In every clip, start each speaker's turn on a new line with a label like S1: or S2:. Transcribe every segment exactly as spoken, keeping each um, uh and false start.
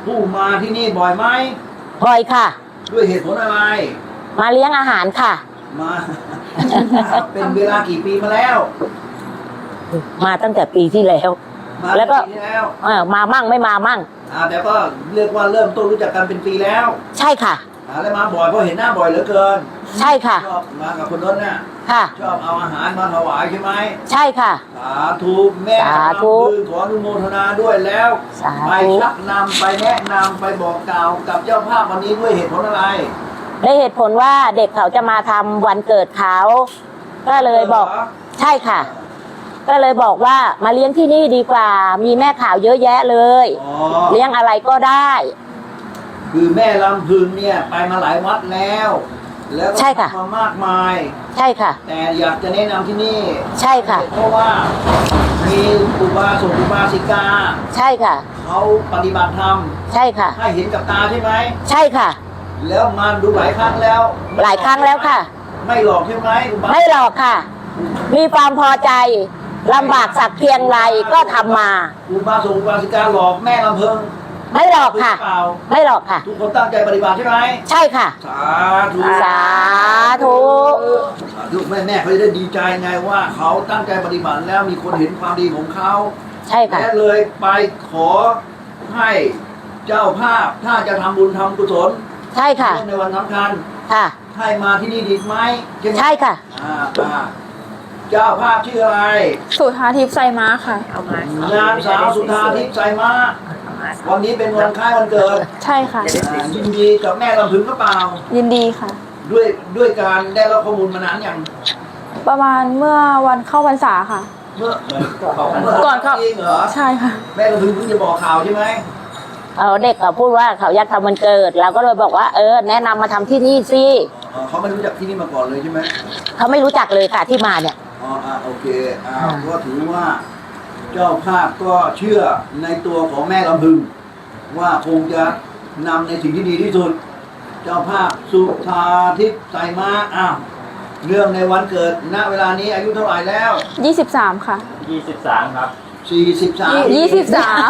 S1: ผู้มาที่นี่บ่อยไหม
S2: บ่อยค่ะ
S1: ด้วยเหตุผลอะไร
S2: มาเลี้ยงอาหารค่ะ
S1: มา เป็นเวลากี่ปีมาแล้ว
S2: มาตั้งแต่ปีที่แล้วแล้วก็เออมามั่งไม่มามั่ง
S1: อ่าแต่ก็เรียกว่าเริ่มต้นรู้จักกันเป็นปีแล้ว
S2: ใช่ค่ะ
S1: อ่าแล้วมาบ่อยเพราะเห็นหน้าบ่อยเหลือเกิน
S2: ใช่ค่ะ
S1: ชอบมากับคนรถเนี่ย
S2: ค่ะ
S1: ชอบเอาอาหารมาถวายใช่ไหม
S2: ใช่ค่ะ
S1: สาธุแม่
S2: สาธุ
S1: ขออนุโมทนาด้วยแล้วไปชักนำไปแนะนำไปบอกกล่าวกับเจ้าภาพวันนี้ด้วยเหตุผลอะไร
S2: ได้เหตุผลว่าเด็กเขาจะมาทำวันเกิดเขาก็เลยบอกใช่ค่ะก็เลยบอกว่ามาเลี้ยงที่นี่ดีกว่ามีแม่ข่าวเยอะแยะเลยเลี้ยงอะไรก็ได้
S1: คือแม่ลำพึงเนี่ยไปมาหลายวัดแล้วแล้วก็มามากมาย
S2: ใช่ค่ะ
S1: แต่อยากจะแนะนำที่นี่
S2: ใช่ค่ะ
S1: เพราะว่ามีอุบาสกอุบาสิกา
S2: ใช่ค่ะ
S1: เขาปฏิบัติธรรม
S2: ใช่ค่ะ
S1: ให้เห็นกับตาใช่ไหม
S2: ใช่ค่ะ
S1: แล้วมาดูหลายครั้งแล้ว
S2: หลายครั้งแล้วค่ะ
S1: ไม่หลอกใช่ไหม
S2: ไม่หลอกค่ะมีความพอใจลำบากสักเพียงไรก็ทำมา
S1: อุบาสกอุบาสิกาหลอกแม่ลำพึง
S2: ไม่หลอกค่ะไม่หลอกค่ะ
S1: ทุกคนตั้งใจปฏิบัติใช่ไหม
S2: ใช่ค่ะ
S1: สาธุ
S2: สาธุ
S1: ลูกแม่แม่เขาจะได้ดีใจไงว่าเขาตั้งใจปฏิบัติแล้วมีคนเห็นความดีของเขา
S2: ใช่ค่ะ
S1: และเลยไปขอให้เจ้าภาพถ้าจะทำบุญทำกุศล
S2: ใช่ค่ะ
S1: ในวันสำคัญ
S2: ค่ะ
S1: ให้มาที่นี่ดีไหม
S2: ใช่ค่ะ
S1: อ่าเจ้าภาพชื่ออะไร
S3: สุธาทิพย์ไซม้าค่ะ
S1: นางสาวสุธาทิพย์ไซม้าวันนี้เป็นวันคล้ายวันเกิด
S3: ใช่ค่ะ
S1: ยินดีกับแม่ลำพึงก็เปล่า
S3: ยินดีค่ะ
S1: ด้วยด้วยการได้รับข้อมูลมานานอย่าง
S3: ประมาณเมื่อวันเข้าพรรษาค่ะ
S1: เมื่อ
S3: ก่อนเข้า
S1: เหรอ
S3: ใช่ค่ะ
S1: แม่ลำพึงเพิ่งจะบอกข่าวใช่ไหม
S2: เอาเด็กเขาพูดว่าเขาอยากทำวันเกิดเราก็เลยบอกว่าเออแนะนำมาทำที่นี่สิ
S1: เขาไม่รู้จักที่นี่มาก่อนเลยใช่ไหม
S2: เขาไม่รู้จักเลยค่ะที่มาเนี่ย
S1: อ๋อโอเคอ่าก็ถือว่าเจ้าภาพก็เชื่อในตัวของแม่ลำพึงว่าคงจะนำในสิ่งที่ดีที่สุดเจ้าภาพสุธาทิพย์ไซม้าอ้าวเรื่องในวันเกิดณเวลานี้อายุเท่าไหร่แล้ว
S3: ยี่สิบสามค่ะ
S4: ยี่สิบสามครับ
S1: สี่สิบสาม
S3: ยี่สิบสาม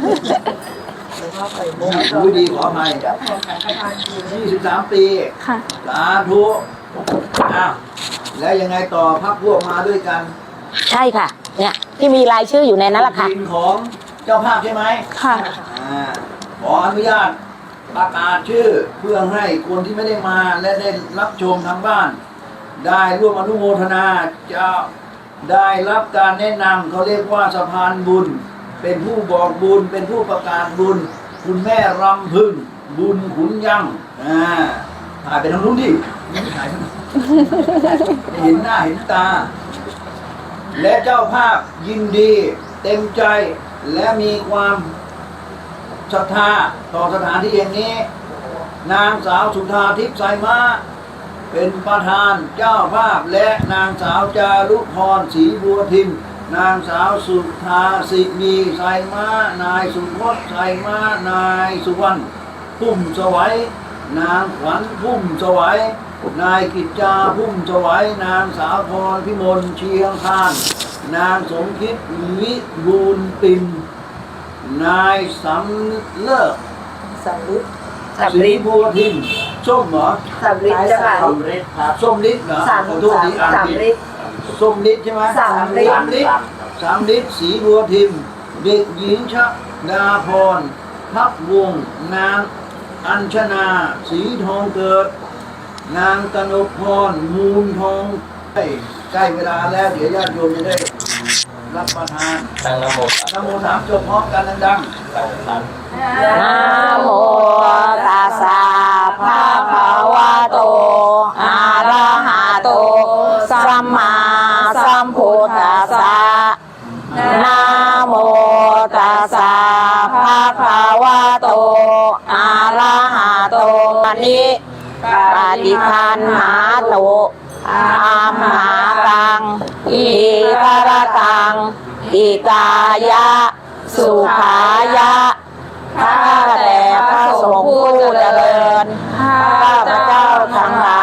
S1: รู้ดีขออภัยยี่สิบสามปี
S3: ค่ะ
S1: สาธุอ้าวแล้วยังไงต่อพักพวกมาด้วยกัน
S2: ใช่ค่ะเนี่ยที่มีรายชื่ออยู่ในนั้นแหละค่ะ
S1: ทีมของเจ้าภาพใช่ไหม
S3: ค่ะ
S1: ขออนุญาตประกาศชื่อเพื่อให้คนที่ไม่ได้มาและได้รับชมทางบ้านได้ร่วมอนุโมทนาจะได้รับการแนะนำเขาเรียกว่าสะพานบุญเป็นผู้บอกบุญเป็นผู้ประกาศบุญคุณแม่รำพึงบุญขุนยังอ่าถ่ายไปทางนู้นดิไม่ถ่ายเห็นหน้าเห็นตาและเจ้าภาพยินดีเต็มใจและมีความศรัทธาต่อสถานที่อย่างนี้นางสาวสุธาทิพย์ไซม้าเป็นประธานเจ้าภาพและนางสาวจารุพรศรีบัวทิมนางสาวสุธาสิมีไซม้านายสุพจน์ไซม้านายสุวรรณพุ่มสวัยนางขวัญพุ่มสวัยนายกิจจาพุ่มสวัยนางสาวพรพิมลเชียงคานนางสมคิดวิบูลปิ่นนายสำเลิศ
S2: สำลิด
S1: ศรีบัวทิมส้มเหรอ
S2: สำลิดใช่ไหม
S4: ส้มฤทธิ์ครับ
S1: ส้มฤทธิ์เหรอ
S2: สามสามฤทธิ์
S1: ส้มฤทธิ์ใช่ไหม
S2: สามฤทธิ์
S1: สามฤทธิ์ศรีบัวทิมเด็กหญิงชดาพรพักวงนางอัญชนาสีทองเกิดนางกนกพรมูลทองใกล้เวลาแล้วเดี๋ยวญาติโยมจะได้รับประทาน
S4: ตั้งนะโม
S1: นะโมสามจบพร้อมกันดังๆ
S2: นะโมตัสสะภะคะวะโตอะระหะโตสัมมาสัมพุทธัสสะนะโมตัสสะภะคะวะโตอะระหะโตอะนิปฏิคันหาโตอัมหากังอิกรตังอิกายะสุขายะข้าแต่พระสงฆ์ผู้เจริญข้าพระเจ้าทั้งหลา